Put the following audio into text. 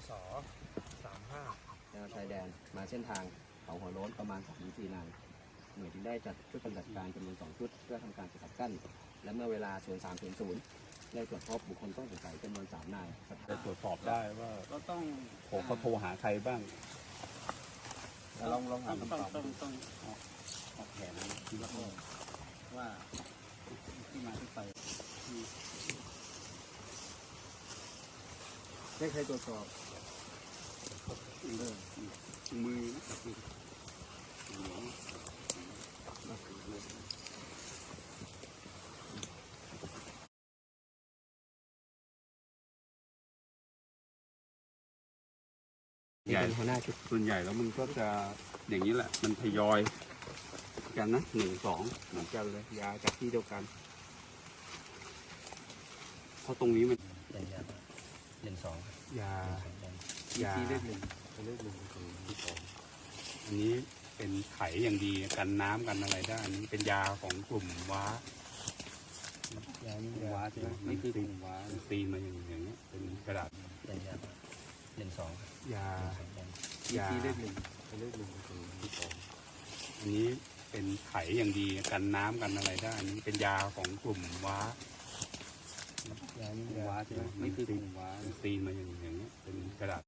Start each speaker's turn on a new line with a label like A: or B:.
A: ศ35
B: แนวชายแดนมาเส้นทางเขาหัวโล้นประมาณ 3-4 นายหน่วยจึงได้จัดชุดปฏิบัติการจำนวน 2 ชุดเพื่อทำการสกัดกั้นและเมื่อเวลา 03:00 ได้ตรวจพบบุคคลต้องสงสัยจำนวน 3 นาย
C: จะตรวจสอบได้ว่า
D: ก็ต้อง
C: เขาโทรหาใครบ้าง
B: ลองหาคำตอบ
D: ต้องออกแผนที่ว่าที่มาที่ไปที่
B: ได้ใครตรวจสอบ
C: มือ
B: นี่เป็นหัวหน้าชุด
C: ส่วนใหญ่แล้วมันก็จะอย่างนี้แหละ มันทยอยกันนะ1-2เหมือนกันเลยยาจากที่เดียวกันเพราะตรงนี้มัน
B: 1-2
C: ยา
B: ที่เลข 1
C: อันนี้เป็นไขอย่างดีกันน้ำกันอะไรได้อันนี้เป็นยาของกลุ่มว้า ว้าใช่ไหมนี่คือกลุ่มว้าตีมาอย่างเงี้ยเป็นกระดาษ
B: 1-2
C: ยา
B: ที่เลข 1
C: อันนี้เป็นไขอย่างดีกันน้ำกันอะไรได้อันนี้เป็นยาของกลุ่มว้าว้าใช่ไหมนี่คือกลุ่มว้าตีมาอย่างเงี้ยเป็นกระดาษ